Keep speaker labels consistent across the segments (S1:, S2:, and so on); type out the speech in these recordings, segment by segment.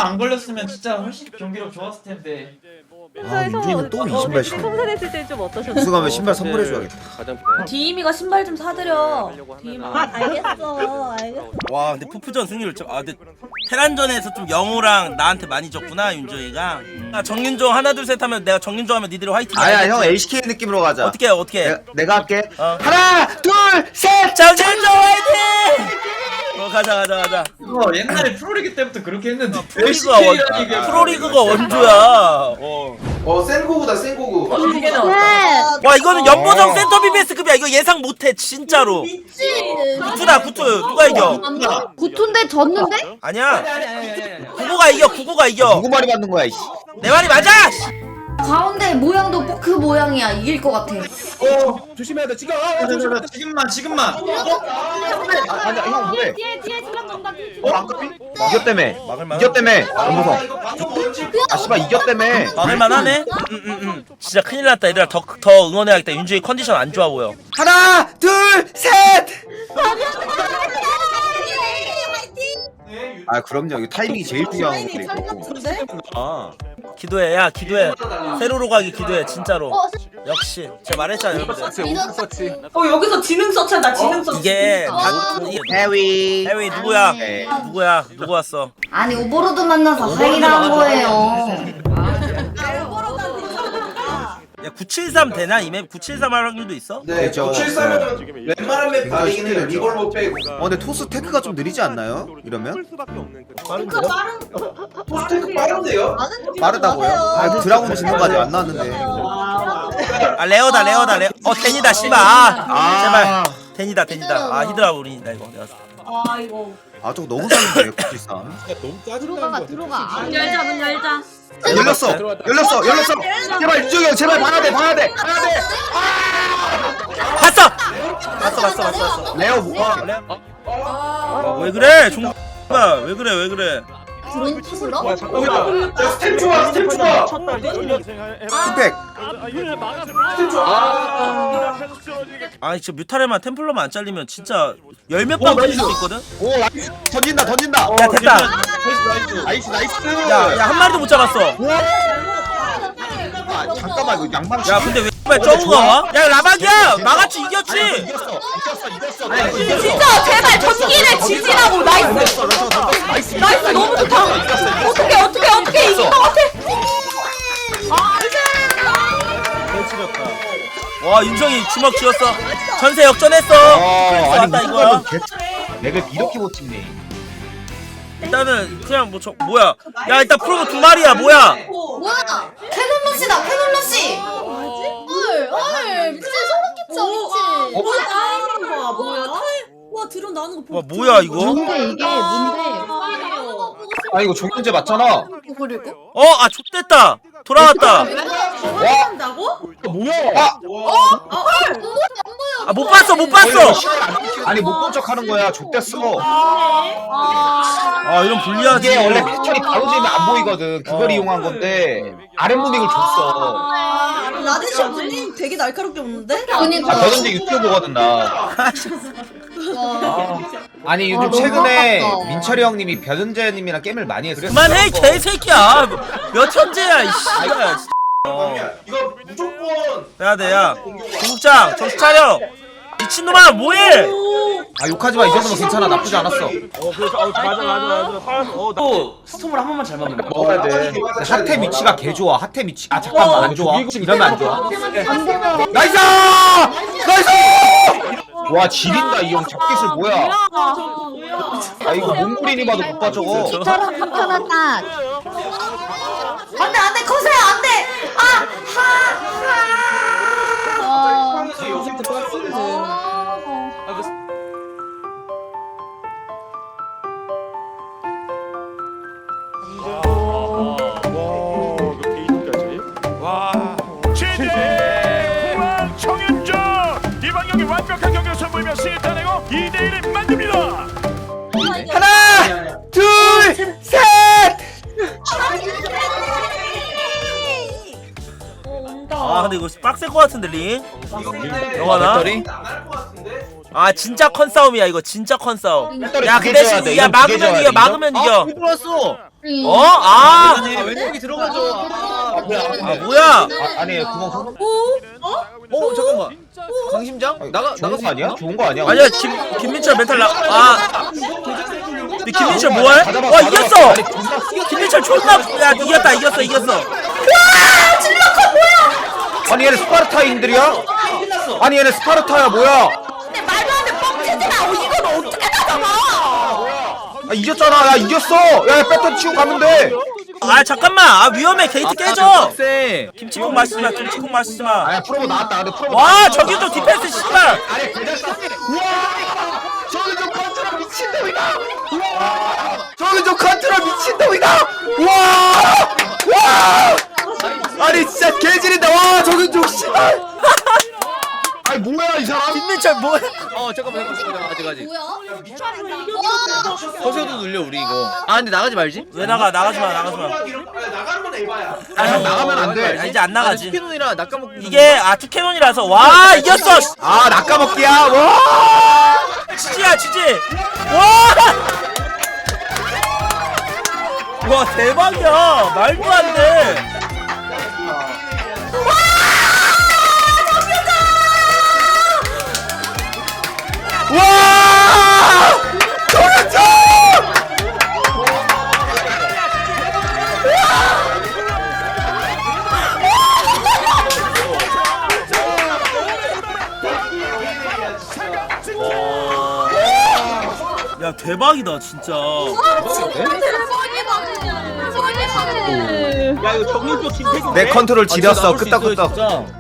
S1: 하나 안 걸렸으면 진짜 훨씬 경기력 좋았을 텐데.
S2: 아, 윤준이는 또 이 신발 신어.
S3: 성선했을 때 좀 어떠셨어요?
S2: 우승하면 신발 선물해줘야겠다.
S4: 디임이가 신발 좀 사드려.
S3: 알겠어.
S5: 와 근데 푸푸전 승률 좀 근데 테란전에서 좀 영호랑 나한테 많이 졌구나 윤종이가. 정윤종 하나 둘 셋 하면 내가 정윤종 하면 니들이 화이팅.
S2: 아야 형 LCK 느낌으로 가자.
S5: 어떻게 해 어떻게?
S2: 내가 할게.
S5: 어.
S2: 하나 둘 셋.
S5: 정윤종 화이팅! 가자.
S1: 이거 옛날에 프로리그 때부터 그렇게 했는데.
S5: 프로리그가 원조야.
S6: 센고구다 센고구.
S5: 와 이거는 연보정 센터 BBS급이야. 이거 예상 못해 진짜로. 구투다 구투 누가 이겨?
S4: 구툰데 졌는데?
S5: 아니야. 구구가 이겨 구구가 이겨.
S2: 누구 말이 맞는 거야 이씨.
S5: 내 말이 맞아.
S4: 가운데 모양도 그 모양이야. 이길 것 같아.
S6: 조심해야 돼 지금.
S1: 지금만.
S2: 아니야 형 뭐해?
S3: 뒤에 질럿 온다.
S2: 안 급히? 이겼다며.
S5: 막을만.
S2: 이겼다며. 연보성. 아 씨발 이겼다며.
S5: 막을만하네. 진짜 큰일 났다. 얘들아 더 응원해야겠다. 윤주이 컨디션 안 좋아 보여.
S2: 하나 둘 셋. 아 그럼요. 이거 타이밍이 제일 중요한 거.
S5: 기도해 야 기도해. 세로로 가기 기도해 진짜로. 역시 제가 말했잖아 여러분들.
S4: 여기서 지능 서치야. 나 지능 서치.
S5: 이게
S2: 해위.
S5: 해외 누구야?
S2: 네.
S5: 누구야? 누구 왔어?
S4: 아니 오버로드 만나서 하이라 한 거예요.
S5: 야 973 되나? 이 맵 973 할 확률도 있어?
S6: 네,
S2: 되죠.
S6: 973은 웬만한 맵 다르긴 해요. 리볼버 빼고.
S2: 근데 토스 테크가 좀 느리지 않나요? 이러면?
S6: 포스테크 빠른데요?
S2: 빠르다고요? 아 드라곤 짓는 거 아직 안 나왔는데.
S5: 아 레어다. 데니다 씨발. 제발. 데니다. 아 히드라 우린이다 이거 내가.
S2: 아 저거 너무 잘했네 973.
S3: 들어가. 문 열자.
S2: 열렸어. 제발 유정이 형 제발 봐야 돼.
S5: 봤어.
S2: 레오 뭐야?
S5: 왜 그래? 종가 왜 그래?
S4: 드론 투스러?
S6: 스텝 좋아.
S2: 힙팩.
S5: 아니 진짜 뮤타레만 템플러만 안 잘리면 진짜 열몇방 터질 수 있거든?
S2: 오 나이스. 던진다.
S5: 야 됐다.
S2: 나이스.
S5: 야 한 마리도 못 잡았어.
S2: 아, 잠깐만 이거 양방.
S5: 야 근데 왜 X발 저우가 와? 야 라박이야! 마가치 이겼지?
S2: 이겼어.
S4: 진짜 제발 전기를 지지라고. 나이스 너무 좋다. 어떻게 이긴 것 같아.
S5: 와 윤정이 주먹 쥐었어. 전세 역전했어. 왔다 이거야.
S2: 렉을 이렇게 못 찍네.
S5: 일단은 그냥 뭐야? 야 일단 프로브 두 마리야 뭐야?
S4: 뭐야? 캐논러시다. 캐논러시. 헐 미친 소름 끼쳐. 뭐야? 와 드론 나오는 거
S5: 와 뭐야 이거?
S4: 이게 뭔데?
S2: 아 이거 종현제 맞잖아.
S4: 그리고
S5: 아 좆됐다. 돌아왔다.
S2: 뭐야?
S5: 못 봤어.
S2: 아니 못 본 척 하는 거야. 족됐어.
S5: 아 이런 불리하지.
S2: 이게 원래 패턴이 바로 되면 안 보이거든. 그걸 이용한 건데 아랫무빙을 줬어.
S7: 라데시 무빙 되게 날카롭게 없는데?
S4: 그니까.
S2: 저런데 유튜브 보거든 나. 아니 요즘 최근에
S4: 아깝다.
S2: 민철이 형님이 변은재님이랑 게임을 많이 했어.
S5: 그만해 개새끼야. 몇 천재야 이 씨발.
S6: 이거 무조건.
S5: 야 구국장 정신 차려. 미친놈아 뭐해?
S2: 아 욕하지 마. 이 정도면 괜찮아. 나쁘지 않았어.
S1: 또 스톰을 한 번만 잘 막으면 돼.
S2: 먹어야 돼. 하태 위치가 개 좋아. 하태 위치. 아 잠깐만 안 좋아. 이러면 안 좋아. 나이스! 와 지린다 이 형. 잡기술 뭐야? 아 이거 몽골인이 봐도 못 봐 저거.
S4: 저런 불편하다. 안돼 커서야 안돼.
S8: 최대 정윤정 이번 경기 완벽한 경기를 선보이며 시타내고 2대1을 만듭니다.
S2: 하나, 둘, 셋.
S5: 아 근데 이거 빡셀 것 같은데 링? 영화나?
S2: 배터리?
S5: 아 진짜 컨싸움이야 이거 진짜 컨싸움.
S2: 배터리
S5: 야
S2: 두개
S5: 그
S2: 줘야
S5: 대신
S2: 돼.
S5: 야
S2: 이건 두개 줘야 돼,
S5: 막으면 이겨.
S2: 아, 들어왔어.
S5: 어? 아
S2: 왼쪽이 들어가죠.
S5: 아, 뭐야?
S2: 아니 구멍
S9: 잠깐만. 강심장?
S2: 좋은 거 아니야? 좋은 거 아니야?
S5: 아니야 김민철 멘탈 근데 김민철 뭐해? 와 이겼어! 김민철 존나 야 이겼어
S2: 아니 얘네 스파르타인들이야? 아니 얘네 스파르타야 뭐야?
S4: 근데 말도 안 돼. 뻥치지 마. 이건 어떻게 나가봐?
S2: 아 이겼잖아. 야 이겼어. 야 배터 치고 가면 돼.
S5: 아 잠깐만 아 위험해 게이트 깨져
S9: 세.
S5: 김치국 마시지마 김치국 마시지마
S2: 아야 프로보 나왔다. 근데 프로보.
S5: 와 저기 또 디펜스 씨발
S2: 아니 대장 싸. 우와. 저기 좀 컨트롤 미친놈이다. 우와. 저기 좀 컨트롤 미친놈이다. 우와. 와. 아니 진짜 개질인다. 와 저기 좀 씨발. 아니 뭐야 이 사람?
S5: 김민철 뭐야
S9: 잠깐만 아직.
S4: 뭐야?
S9: 허세도 눌려 우리 이거. 아 근데 나가지 말지.
S5: 왜 나가지마
S6: 나가는 건 에바야.
S2: 형 나가면 안 돼.
S5: 아, 이제 안 나가지
S9: 스피논이라 낚아먹기.
S5: 이게 투캐논이라서 와 이겼어
S2: 아 낚아먹기야. 와.
S5: 지지야 지지 와 대박이야 말도 안돼
S2: 와! 정현정!
S5: 야 대박이다 진짜
S9: 야 이거 정윤조 김태균.
S2: 내 컨트롤 지렸어. 끄떡끄떡.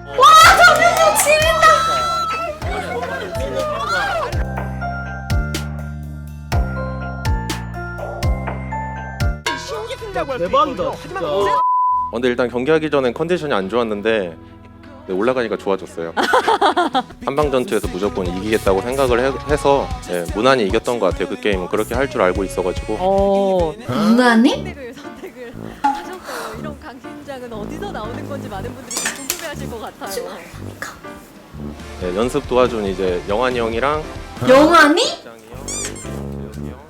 S9: 대박이다 진짜.
S10: 근데 일단 경기하기 전엔 컨디션이 안 좋았는데 네, 올라가니까 좋아졌어요. 한방전투에서 무조건 이기겠다고 생각을 해서 네, 무난히 이겼던 것 같아요. 그 게임은 그렇게 할 줄 알고 있어가지고.
S4: 누나니?
S3: 선택을 하셨어요. 이런 강심장은 어디서 나오는 건지 많은 분들이 좀 궁금해하실 것 같아요.
S10: 네, 연습 도와준 이제 영환이 형이랑
S4: 영환이?
S10: 장이 형, 재혁이 형.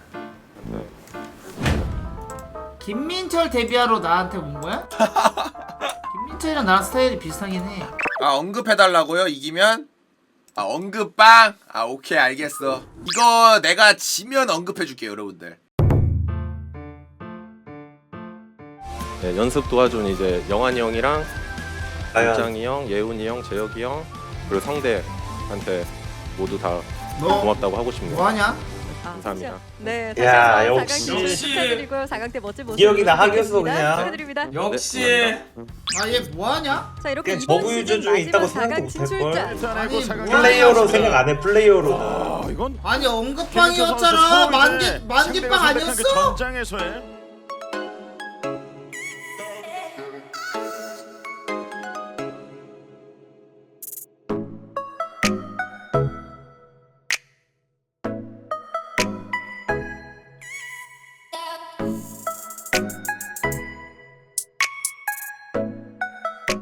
S11: 김민철 데뷔하러 나한테 온 거야? 김민철이랑 나랑 스타일이 비슷하긴 해.
S12: 아 언급해달라고요? 이기면? 아 언급빵? 아 오케이 알겠어. 이거 내가 지면 언급해줄게요 여러분들.
S10: 네, 연습 도와준 이제 영환이 형이랑 장이 형, 예훈이 형, 재혁이 형 그리고 성대한테 모두 다 고맙다고 하고 싶네요.
S11: 뭐하냐?
S10: 감사합니다.
S3: 네,
S1: 야,
S3: 다시 한번
S1: 역시.
S3: 4강 기록 축하드리고요. 4강 때 멋진 모습
S1: 기억이 나,
S3: 보여주셨습니다.
S1: 하겠어, 그냥.
S3: 축하드립니다.
S1: 역시
S11: 아 얘 뭐하냐?
S3: 자 이렇게
S1: 그냥
S3: 이번
S1: 저그
S3: 시즌
S1: 유저 중에 있다고
S3: 마지막
S1: 생각도
S3: 4강
S1: 못할걸?
S3: 진출자.
S11: 아니
S1: 플레이어로 생각 안 해. 플레이어로.
S8: 이건
S11: 아니 언급빵이었잖아. 만개빵 아니었어?
S8: 전장에서의